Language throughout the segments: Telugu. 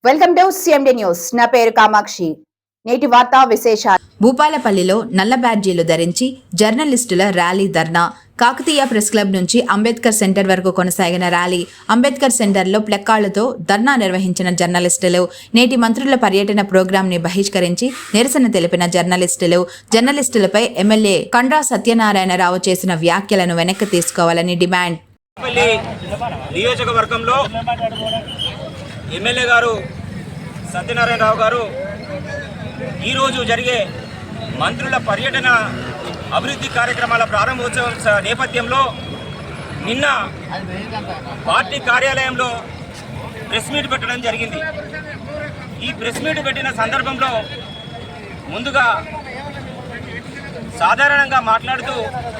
Welcome to CMD news. నా పేరు కామాక్షి. నేటి వార్తా విశేషాలు. భూపాలపల్లిలో నల్ల బ్యాడ్జీలు ధరించి జర్నలిస్టుల ర్యాలీ ధర్నా. కాకతీయ ప్రెస్ క్లబ్ నుంచి అంబేద్కర్ సెంటర్ వరకు కొనసాగిన ర్యాలీ. అంబేద్కర్ సెంటర్లో ప్లెక్కాళ్లతో ధర్నా నిర్వహించిన జర్నలిస్టులు. నేటి మంత్రుల పర్యటన ప్రోగ్రాంని బహిష్కరించి నిరసన తెలిపిన జర్నలిస్టులపై ఎమ్మెల్యే కండ్రా సత్యనారాయణరావు చేసిన వ్యాఖ్యలను వెనక్కి తీసుకోవాలని డిమాండ్. నియోజకవర్గంలో ఎమ్మెల్యే గారు సత్యనారాయణరావు గారు ఈరోజు జరిగే మంత్రుల పర్యటన అభివృద్ధి కార్యక్రమాల ప్రారంభోత్సవం నేపథ్యంలో నిన్న పార్టీ కార్యాలయంలో ప్రెస్ మీట్ పెట్టడం జరిగింది. ఈ ప్రెస్ మీట్ పెట్టిన సందర్భంలో ముందుగా సాధారణంగా మాట్లాడుతూ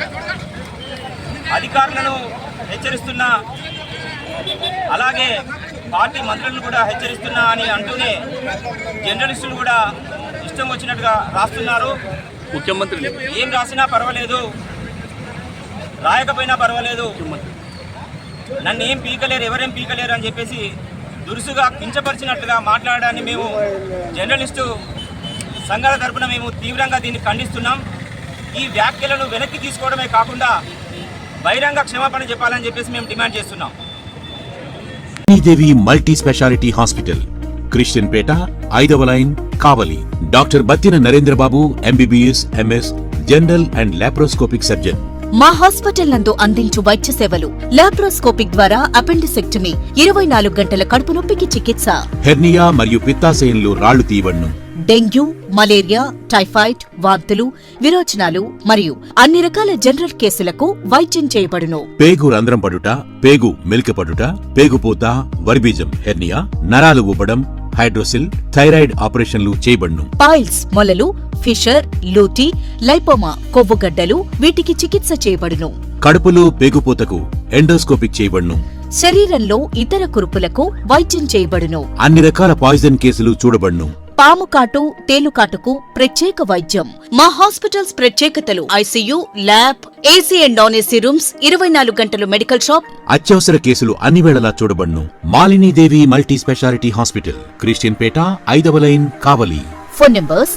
అధికారులను హెచ్చరిస్తున్న, అలాగే పార్టీ మంత్రులను కూడా హెచ్చరిస్తున్నా అని అంటూనే జర్నలిస్టులు కూడా ఇష్టం వచ్చినట్టుగా రాస్తున్నారు. ముఖ్యమంత్రి ఏం రాసినా పర్వాలేదు, రాయకపోయినా పర్వాలేదు, నన్ను ఏం పీకలేరు, ఎవరేం పీకలేరు అని చెప్పేసి దురుసుగా కించపరిచినట్లుగా మాట్లాడడాన్ని మేము జర్నలిస్టు సంఘాల తరపున మేము తీవ్రంగా దీన్ని ఖండిస్తున్నాం. ఈ వ్యాఖ్యలను వెనక్కి తీసుకోవడమే కాకుండా బహిరంగ క్షమాపణ చెప్పాలని చెప్పేసి మేము డిమాండ్ చేస్తున్నాం. Devi multi speciality hospital, Christian Peta, 5వ line, Kavali. Doctor Battina Narendrababu, MBBS, MS, general and laparoscopic surgeon. మా హాస్పిటల్ నందు అందించు వైద్య సేవలు: లాప్రోస్కోపిక్ ద్వారా అపెండిసెక్టమీ, 24 గంటల కడుపు నొప్పికి చికిత్స, హెర్నియా మరియు పిత్తాశయంలో రాళ్లు తీయబడును, డెంగ్యూ, మలేరియా, టైఫాయిడ్, వాంతులు, విరోచనాలు మరియు అన్ని రకాల జనరల్ కేసులకు వైద్యం చేయబడును. పేగు రంధ్రం పడుట, పేగు మెలికపడుట, పేగుపూత, వర్బీజం, హెర్నియా, నరాలు ఊపడం, హైడ్రోసిల్, థైరాయిడ్ ఆపరేషన్లు చేయబడును. పైల్స్, మొలలు, ఫిషర్, లూటీ, లైపోమా, కొవ్వుగడ్డలు, వీటికి చికిత్స చేయబడును. కడుపులో పేగుపూతకు ఎండోస్కోపిక్ చేయబడును. శరీరంలో ఇతర కురుపులకు వైద్యం చేయబడును. అన్ని రకాల పాయిజన్ కేసులు చూడబడును. పాము కాటు, తేలుకాటుకు ప్రత్యేక వైద్యం. మా హాస్పిటల్స్ ప్రత్యేకతలు: ICU, lab, AC and non AC rooms, 24 గంటలు మెడికల్ షాప్. అత్యవసర కేసులు అన్ని వేళలా చూడబడును. Malinidevi multi speciality hospital, Christian Peta, 5వ లైన్, కావలి. ఫోన్ నంబర్స్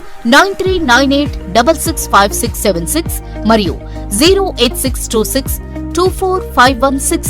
9398665676 మరియు 08626245166.